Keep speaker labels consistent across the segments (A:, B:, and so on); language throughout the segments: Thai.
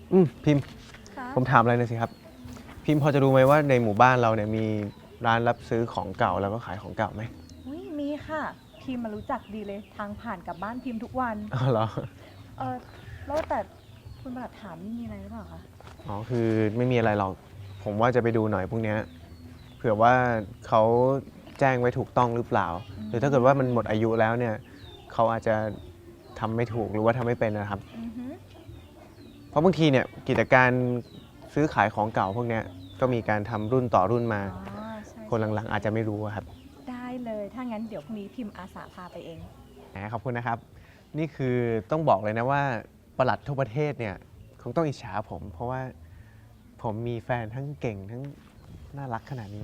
A: พิมพ์ผมถามอะไรหน่อยสิครับพิมพ์พอจะรู้ไหมว่าในหมู่บ้านเราเนี่ยมีร้านรับซื้อของเก่าแล้วก็ขายของเก่าไหม
B: มีค่ะพิมมารู้จักดีเลยทางผ่านกับบ้านพิมทุกวัน
A: อ๋อเหรอ
B: แล้วแต่คุณประหลัดถามนี่มีอะไรหรือเปล่าคะ
A: อ๋อคือไม่มีอะไรหรอกผมว่าจะไปดูหน่อยพวกเนี้ยเผื่อว่าเขาแจ้งไว้ถูกต้องหรือเปล่าหรือถ้าเกิดว่ามันหมดอายุแล้วเนี่ยเขาอาจจะทำไม่ถูกหรือว่าทำไม่เป็นนะครับเพราะบางทีเนี่ยกิจการซื้อขายของเก่าพวกเนี้ยก็มีการทำรุ่นต่อรุ่นมาคนหลังๆอาจจะไม่รู้ครับ
B: ได้เลยถ้างั้นเดี๋ยวพรุ่งนี้พิมพ์อาสาพาไปเอง
A: ขอบคุณนะครับนี่คือต้องบอกเลยนะว่าปลัดทั่วประเทศเนี่ยคงต้องอิจฉาผมเพราะว่าผมมีแฟนทั้งเก่งทั้งน่ารักขนาดนี้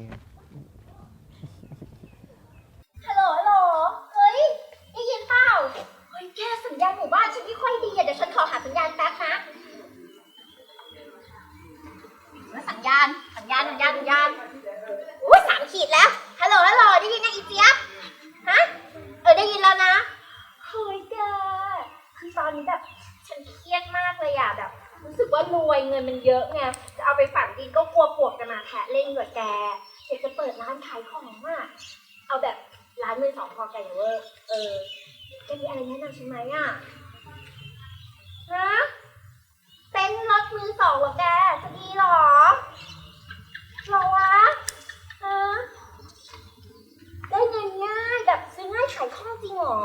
C: ฮัลโหลเฮ้ยได้ยินเปล่าเฮ้ยแกสัญญาณหมู่บ้านฉันไม่ค่อยดีเดี๋ยวฉันขอหาสัญญาณแป๊บนะสัญญาณอุ้ย3 ขีดแล้วฮัลโหลได้ยินยังอีเจี๊ยบฮะได้ยินแล้วนะเฮ้ยแกคือตอนนี้แบบฉันเครียดมากเลยอะแบบรู้สึกว่ารวยเงินมันเยอะไงจะเอาไปฝังดินก็กลัวปวกจะมาแทะเล่นกับแกอยากจะเปิดร้านขายของอะเอาแบบร้านมือสองพอกันเวอร์จะมีอะไรแนะนำฉันไหมอะฮะเต็นท์รถมือสองเหรอแกจะดีหรอวะฮะได้เงินง่ายแบบซื้อง่ายขายคล่องจริงหรอ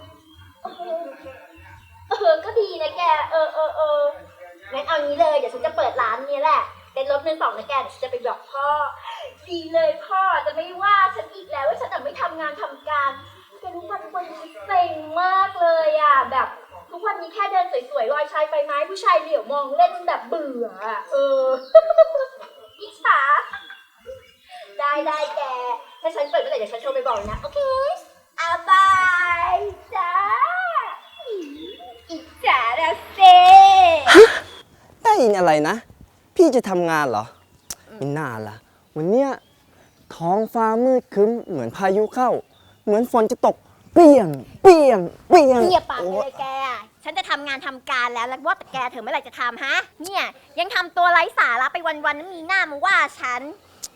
C: ก็ดีนะแกงั้นเอางี้เลยเดี๋ยวฉันจะเปิดร้านนี้แหละเป็นรถมือสองนะแกเดี๋ยวฉันจะไปบอกพ่อดีเลยพ่อจะไม่ว่าฉันอีกแล้วว่าฉันไม่ทำงานทำการแกรู้ป่ะทุกวันนี้เซ็งมากเลยอ่ะแบบทุกวันนี้แค่เดินสวยๆลอยชายไปไม้ผู้ชายเหลียวมองเล่นแบบเบื่ออิจฉาได้แกถ้าฉันเปิดเมื่อไหร่เดี๋ยวฉันโทรไปบอกนะโอเคบายจ้าอิจฉาละเซ
D: ได้ยินอะไรนะ พี่จะทำงานเหรอไม่น่าล่ะวันเนี้ยท้องฟ้ามืดครึ้มเหมือนพายุเข้าเหมือนฝนจะตกเปียง
C: เนี่ยปากเลยแกฉันจะทำงานทำการแล้วว่าแต่แกเธอเมื่อไหร่จะทำฮะเนี่ยยังทำตัวไร้สาระไปวันๆนั้นมีหน้ามาว่าฉัน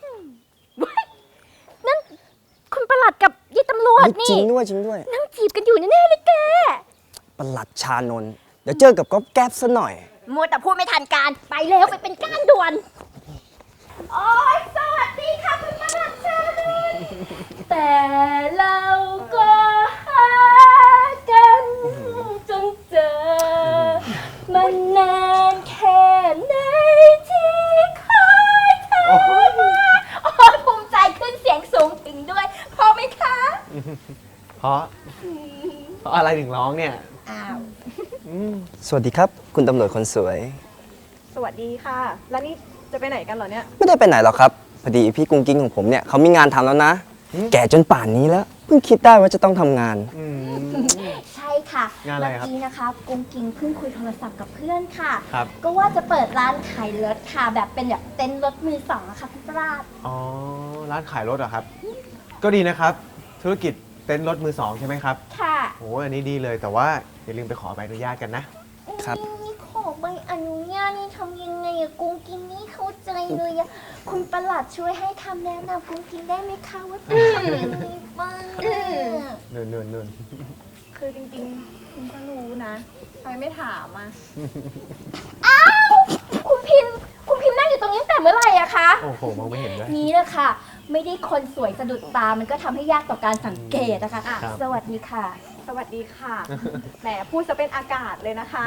C: นั่นคุณประหลัดกับยี่ตำรวจนี่
D: จริงด้วย
C: นั่งจีบกันอยู่แน่ๆเลยแก
D: ประหลัดชานนท์เดี๋ยวเจอกับก๊อฟแก๊ปซะหน่อย
C: มัวแต่พูดไม่ทันการไปแล้วไปเป็นก้านด่วนโอ๊ยสวัสดีค่ะคุณประหลัดชานนท์แต่เราก็หากันจนเจอมันนานแค่ไหนที่คอยเธอมาโอ้ยภูมิใจขึ้นเสียงสูงถึงด้วยพอไหมคะ
A: เพราะอะไรถึงร้องเนี่ย
D: สวัสดีครับคุณตำรวจคนสวย
B: สวัสดีค่ะแล้วนี่จะไปไหนกันเหรอเนี่ย
D: ไม่ได้ไปไหนหรอกครับพอดีพี่กุ้งกิ้งของผมเนี่ยเขามีงานทำแล้วนะแก่จนป่านนี้แล้วเพิ่งคิดได้ว่าจะต้องทำงาน
C: ใช่ค่ะ
A: งานอะไรครับ
C: เมื่อกี้นะคะกุ้งกิ้งเพิ่งคุยโทรศัพท์กับเพื่อนค่ะ
A: ครับ
C: ก็ว่าจะเปิดร้านขายรถค่ะแบบเป็นแบบเต็นท์รถมือสองอะค่ะพี่ปราด
A: อ๋อร้านขายรถเหรอครับก็ดีนะครับธุรกิจเต็นท์รถมือสองใช่ไหมครับ
C: ค่ะ
A: โอ้อันนี้ดีเลยแต่ว่าอย่าลืมไปขอใบอนุญาตกัน
D: นะครับ
C: นี่ขอใบอนุญาตนี่ทำยังไงอะกุ้งกิ้งนี่เข้าใจเลยอะคุณประหลัดช่วยให้คำแนะนำกุ้งกิ้งได้ไหมคะว่าเป็นยังไงบ้าง
A: นู่น
B: คือจริงๆคุณก็รู้นะทำไมไม่ถามอ่ะ
C: อ้าวคุณพิมนั่งอยู่ตรงนี้ตั้งแต่เมื่อไหร่อะคะ
A: โอ้โหมองไม่เห็นด้วย
C: นี่แหละค่ะไม่ได้คนสวยสะดุดตามันก็ทำให้ยากต่อการสังเกตนะคะสวัสดีค่ะ
B: สวัสดีค่ะแหมพูดจะเป็นอากาศเลยนะคะ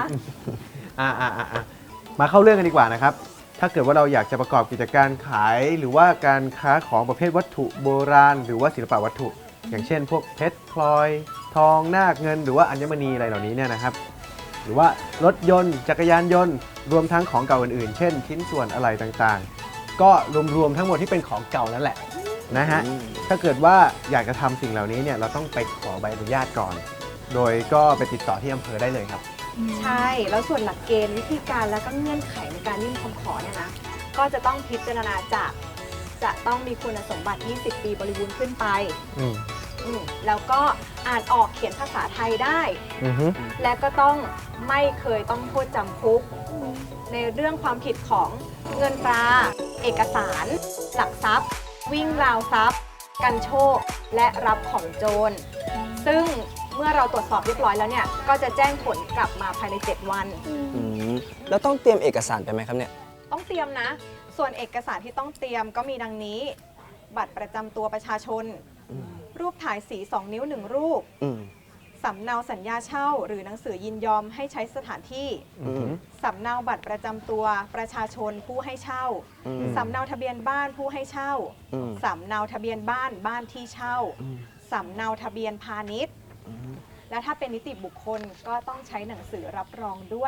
A: มาเข้าเรื่องกันดีกว่านะครับถ้าเกิดว่าเราอยากจะประกอบกิจการขายหรือว่าการค้าของประเภทวัตถุโบราณหรือว่าศิลปวัตถุอย่างเช่นพวกเพชรพลอยทองนาคเงินหรือว่าอัญมณีอะไรเหล่านี้เนี่ยนะครับหรือว่ารถยนต์จักรยานยนต์รวมทั้งของเก่าอื่นๆเช่นชิ้นส่วนอะไรต่างๆก็รวมทั้งหมดที่เป็นของเก่านั่นแหละนะฮะถ้าเกิดว่าอยากจะทำสิ่งเหล่านี้เนี่ยเราต้องไปขอใบอนุญาตก่อนโดยก็ไปติดต่อที่อำเภอได้เลยครับ
B: ใช่แล้วส่วนหลักเกณฑ์วิธีการแล้วก็เงื่อนไขในการยื่นคำขอเนี่ยนะก็จะต้องพิจารณาจากจะต้องมีคุณสมบัติ20 ปีบริบูรณ์ขึ้นไปแล้วก็อ่านออกเขียนภาษาไทยได้และก็ต้องไม่เคยต้องโทษจำคุกในเรื่องความผิดของเงินตรา เอกสาร หลักทรัพย์ วิ่งราวทรัพย์ กันโชค และรับของโจร ซึ่งเมื่อเราตรวจสอบเรียบร้อยแล้วเนี่ยก็จะแจ้งผลกลับมาภายใน 7 วัน
D: แล้วต้องเตรียมเอกสารไปไหมครับเนี่ย
B: ต้องเตรียมนะ ส่วนเอกสารที่ต้องเตรียมก็มีดังนี้ บัตรประจำตัวประชาชน รูปถ่ายสี 2 นิ้ว 1 รูป
D: อืม
B: สำเนาสัญญาเช่า หรือหนังสือยินยอมให้ใช้สถานที่ สำเนาบัตรประจำตัวประชาชนผู้ให้เช่า สำเนาทะเบียนบ้านผู้ให้เช่า สำเนาทะเบียนบ้านบ้านที่เช่า สำเนาทะเบียนพาณิชย์ และถ้าเป็นนิติบุคคลก็ต้องใช้หนังสือรับรองด้วย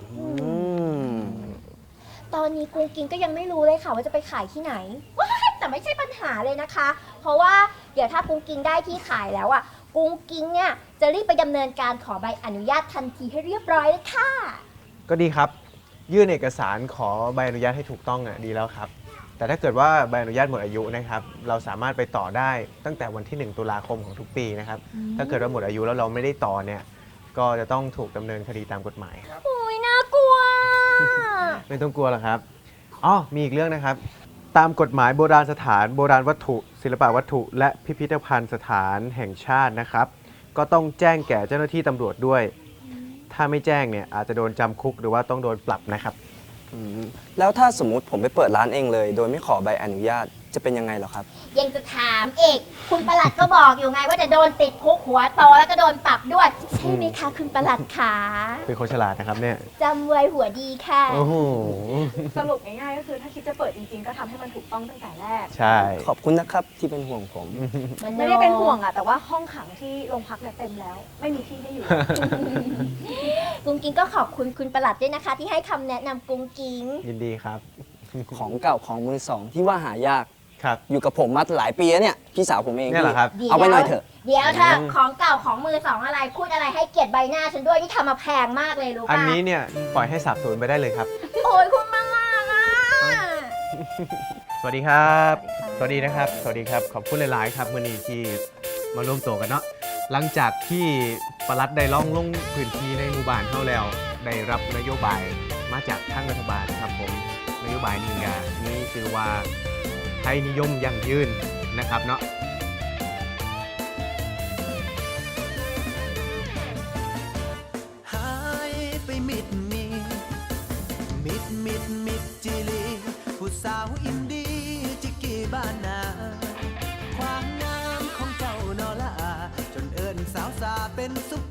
C: ตอนนี้กุ้งกิ้งก็ยังไม่รู้เลยค่ะว่าจะไปขายที่ไหนว้ายแต่ไม่ใช่ปัญหาเลยนะคะ เพราะว่าเดี๋ยวถ้ากุ้งกิ้งได้ที่ขายแล้วอ่ะกุ้งกิ้งเนี่ยจะรีบไปดำเนินการขอใบอนุญาตทันทีให้เรียบร้อยเลยค่ะ
A: ก็ดีครับ ยื่นเอกสารขอใบอนุญาตให้ถูกต้องอ่ะดีแล้วครับ แต่ถ้าเกิดว่าใบอนุญาตหมดอายุนะครับ เราสามารถไปต่อได้ตั้งแต่วันที่ 1 ตุลาคมของทุกปีนะครับ ถ้าเกิดว่าหมดอายุแล้วเราไม่ได้ต่อเนี่ย ก็จะต้องถูกดำเนินคดีตามกฎหมายครับ
C: โอ้ยน่ากลัว
A: ไม่ต้องกลัวหรอกครับอ๋อมีอีกเรื่องนะครับ ตามกฎหมายโบราณสถาน โบราณวัตถุ ศิลปวัตถุ และพิพิธภัณฑ์สถานแห่งชาตินะครับ ก็ต้องแจ้งแก่เจ้าหน้าที่ตำรวจด้วย ถ้าไม่แจ้งเนี่ยอาจจะโดนจำคุกหรือว่าต้องโดนปรับนะครับ
D: แล้วถ้าสมมุติผมไปเปิดร้านเองเลย โดยไม่ขอใบอนุญาตจะเป็นยังไงเหรอครับ
C: ยังจะถามอีกคุณประหลัดก็บอกอยู่ไงว่าจะโดนติดคุกหัวโตแล้วก็โดนปรับด้วย ใช่ไหมคะคุณประหลัดขา
A: เป็นคนฉลาดนะครับเนี่ย
C: จำไว้หัวดีค่ะ
A: โอ้โห
B: สรุปง่ายๆก็คือถ้าคิดจะเปิดจริงๆ ก็ทำให้มันถูกต้องตั้งแต่แรก
A: ใช่
D: ขอบคุณนะครับที่เป็นห่วงผม
B: ไม่ได้เป็นห่วงอะแต่ว่าห้องขังที่โรงพักเนี่ยเต็มแล้ว ไม่มีที่ให้อยู่
C: กุ้งกิ้งก็ขอบคุณคุณประหลัดด้วยนะคะ ที่ให้คำแนะนำกุ้งกิ้ง
A: ยินดีครับ
D: ของเก่าของมือสองที่ว่าหายาก
A: ครับ
D: อยู่กับผมมาหลายปีแล้วเนี่ย พี่สาวผมเอง
A: เนี่ยเหรอครับ
D: เอาไปหน่อยเถอะ
C: เดี๋ยวเธอของเก่าของมือสองอะไรพูดอะไรให้เกียรติใบหน้าฉันด้วยนี่ทำมาแพงมากเลยรู้ป่ะ
A: อันนี้เนี่ยปล่อยให้สาบสูญไปได้เลยครับ
C: โอ้ยคุณประหลัดอ่ะ
A: สวัสดีครับ สวัสดีนะครับ สวัสดีครับ ขอบคุณหลาย ๆ ครับมื่อนี้ที่มาร่วมโตกันเนาะ หลังจากที่ปลัดได้ล่องลงพื้นที่ในหมู่บ้านเข้าแล้ว ได้รับนโยบายมาจากทางรัฐบาลครับผม นโยบายนี้ก็มีชื่อว่าไทยนิยมยั่งยืนนะครับเนาะ
E: หายไปมิดจิลีผู้สาวอินดีจิกกี้บ้านนาความงามของเจ้านอลาจนเอิญสาวสาเป็นซุป